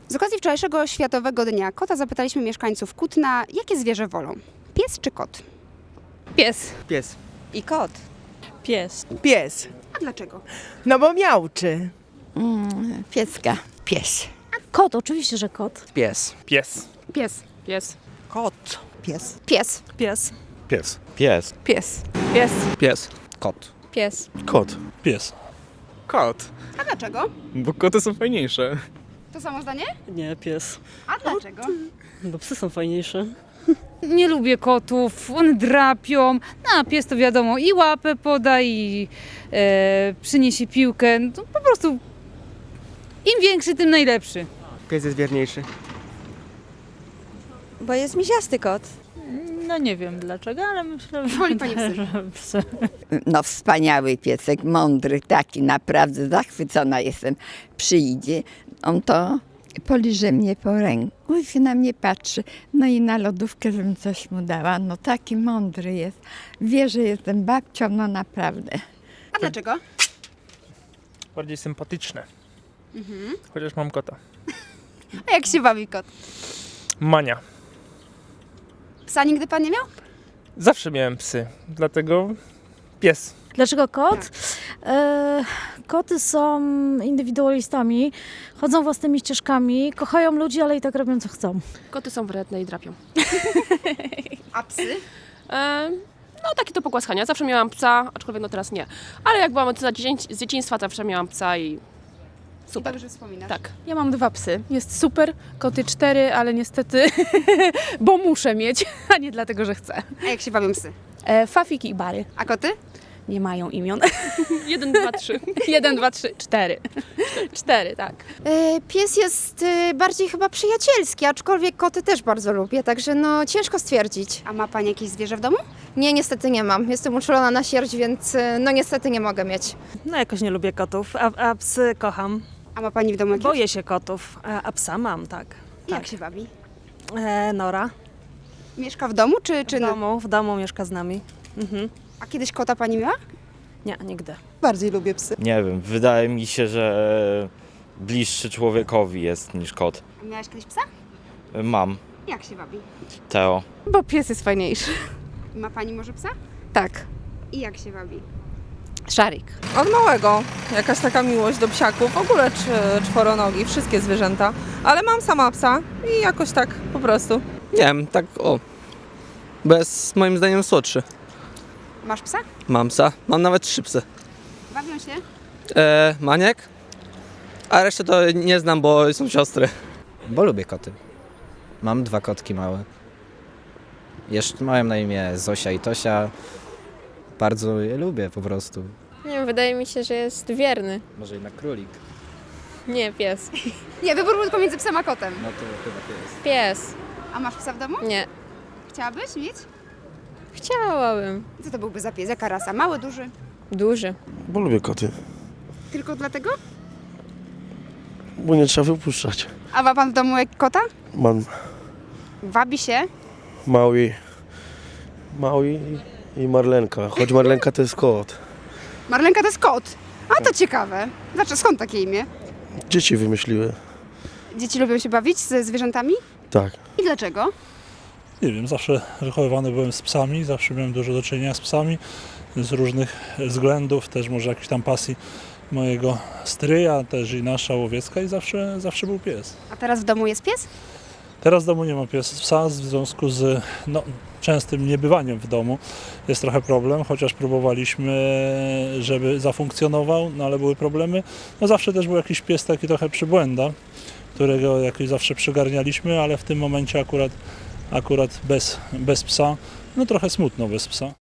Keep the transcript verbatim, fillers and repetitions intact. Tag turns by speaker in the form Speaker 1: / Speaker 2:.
Speaker 1: Z okazji wczorajszego Światowego Dnia Kota zapytaliśmy mieszkańców Kutna, jakie zwierzę wolą. Pies czy kot?
Speaker 2: Pies.
Speaker 3: Pies.
Speaker 2: I kot. Pies.
Speaker 3: Pies.
Speaker 1: A dlaczego?
Speaker 3: No bo miauczy.
Speaker 4: Mm, pieska. Pies.
Speaker 5: Kot, oczywiście, że kot.
Speaker 3: Pies.
Speaker 6: Pies.
Speaker 2: Pies. Pies.
Speaker 3: Kot. Pies.
Speaker 1: Pies.
Speaker 2: Pies.
Speaker 6: Pies.
Speaker 7: Pies.
Speaker 2: Pies. Pies.
Speaker 6: Pies.
Speaker 7: Kot.
Speaker 2: Pies.
Speaker 6: Kot. Pies.
Speaker 3: Kot.
Speaker 1: A dlaczego?
Speaker 6: Bo koty są fajniejsze.
Speaker 1: To samo zdanie?
Speaker 8: Nie, pies.
Speaker 1: A dlaczego?
Speaker 8: Bo psy są fajniejsze.
Speaker 2: Nie lubię kotów, one drapią. No, a pies to wiadomo, i łapę poda, i e, przyniesie piłkę. No, po prostu im większy, tym najlepszy.
Speaker 3: Pies jest wierniejszy.
Speaker 4: Bo jest miziasty kot.
Speaker 2: No nie wiem dlaczego, ale myślę,
Speaker 1: Woli pani psy.
Speaker 2: że psy.
Speaker 4: No wspaniały piesek, mądry, taki naprawdę zachwycona jestem. Przyjdzie, on to poliże mnie po ręku i się na mnie patrzy. No i na lodówkę, żebym coś mu dała. No taki mądry jest. Wie, że jestem babcią, no naprawdę.
Speaker 1: A dlaczego?
Speaker 6: Bardziej sympatyczne. Chociaż mam kota.
Speaker 1: A jak się bawi kot?
Speaker 6: Mania.
Speaker 1: Psa nigdy pan nie miał?
Speaker 6: Zawsze miałem psy, dlatego pies.
Speaker 5: Dlaczego kot? E, koty są indywidualistami, chodzą własnymi ścieżkami, kochają ludzi, ale i tak robią co chcą.
Speaker 9: Koty są wredne i drapią.
Speaker 1: A psy?
Speaker 9: E, no takie to pogłaskania. Zawsze miałam psa, aczkolwiek no teraz nie. Ale jak byłam z dziecię- z dzieciństwa, zawsze miałam psa i
Speaker 1: Super. Dobrze wspominasz.
Speaker 9: tak.
Speaker 10: Ja mam dwa psy. Jest super, koty cztery, ale niestety, bo muszę mieć, a nie dlatego, że chcę.
Speaker 1: A jak się bawią psy?
Speaker 10: E, Fafik i Bary.
Speaker 1: A koty?
Speaker 10: Nie mają imion.
Speaker 9: Jeden, dwa, trzy.
Speaker 10: Jeden, dwa, trzy, cztery. Cztery, tak.
Speaker 11: E, Pies jest e, bardziej chyba przyjacielski, aczkolwiek koty też bardzo lubię, także no ciężko stwierdzić.
Speaker 1: A ma pani jakieś zwierzę w domu?
Speaker 11: Nie, niestety nie mam. Jestem uczulona na sierść, więc e, no niestety nie mogę mieć.
Speaker 8: No jakoś nie lubię kotów, a, a psy kocham.
Speaker 1: A ma pani w domu jakieś?
Speaker 8: Boję się kotów, a, a psa mam, tak.
Speaker 1: I Jak
Speaker 8: tak.
Speaker 1: się bawi?
Speaker 8: E, Nora.
Speaker 1: Mieszka w domu czy, czy
Speaker 8: W
Speaker 1: no?
Speaker 8: domu, w domu mieszka z nami. Mhm.
Speaker 1: A kiedyś kota pani miała?
Speaker 8: Nie, nigdy.
Speaker 3: Bardziej lubię psy.
Speaker 7: Nie wiem, wydaje mi się, że bliższy człowiekowi jest niż kot.
Speaker 1: A miałaś kiedyś psa?
Speaker 7: Mam.
Speaker 1: Jak się bawi?
Speaker 7: Teo.
Speaker 10: Bo pies jest fajniejszy.
Speaker 1: Ma pani może psa?
Speaker 10: Tak.
Speaker 1: I jak się bawi?
Speaker 10: Szarik.
Speaker 3: Od małego. Jakaś taka miłość do psiaków. W ogóle czworonogi, wszystkie zwierzęta. Ale mam sama psa i jakoś tak po prostu.
Speaker 12: Nie wiem, tak o. Bez moim zdaniem słodszy.
Speaker 1: Masz psa?
Speaker 12: Mam psa, mam nawet trzy psy.
Speaker 1: Bawią się?
Speaker 12: E, Maniek, a resztę to nie znam, bo są siostry.
Speaker 13: Bo lubię koty. Mam dwa kotki małe. Jeszcze mają na imię Zosia i Tosia. Bardzo je lubię po prostu.
Speaker 9: Nie wiem, wydaje mi się, że jest wierny.
Speaker 13: Może jednak królik.
Speaker 9: Nie, pies.
Speaker 1: Nie, wybór był pomiędzy psem a kotem.
Speaker 13: No to chyba pies.
Speaker 9: Pies.
Speaker 1: A masz psa w domu?
Speaker 9: Nie.
Speaker 1: Chciałabyś mieć?
Speaker 9: Chciałabym.
Speaker 1: Co to byłby za pies? Jaka rasa? Mały, duży?
Speaker 9: Duży.
Speaker 6: Bo lubię koty.
Speaker 1: Tylko dlatego?
Speaker 6: Bo nie trzeba wypuszczać.
Speaker 1: A ma pan w domu jak kota?
Speaker 6: Mam
Speaker 1: Wabi się?
Speaker 6: mały, mały i Marlenka. Choć Marlenka to jest kot.
Speaker 1: Marlenka to jest kot. A to ciekawe. Dlaczego? Skąd takie imię?
Speaker 6: Dzieci wymyśliły.
Speaker 1: Dzieci lubią się bawić ze zwierzętami?
Speaker 6: Tak.
Speaker 1: I dlaczego?
Speaker 6: Nie wiem, zawsze wychowywany byłem z psami, zawsze miałem dużo do czynienia z psami. Z różnych względów, też może jakiejś tam pasji mojego stryja, też i nasza łowiecka i zawsze, zawsze był pies.
Speaker 1: A teraz w domu jest pies?
Speaker 6: Teraz w domu nie ma pies, psa w związku z no, częstym niebywaniem w domu. Jest trochę problem, chociaż próbowaliśmy, żeby zafunkcjonował, no ale były problemy. No zawsze też był jakiś pies taki trochę przybłęda, którego jakoś zawsze przygarnialiśmy, ale w tym momencie akurat, akurat bez, bez psa, no trochę smutno bez psa.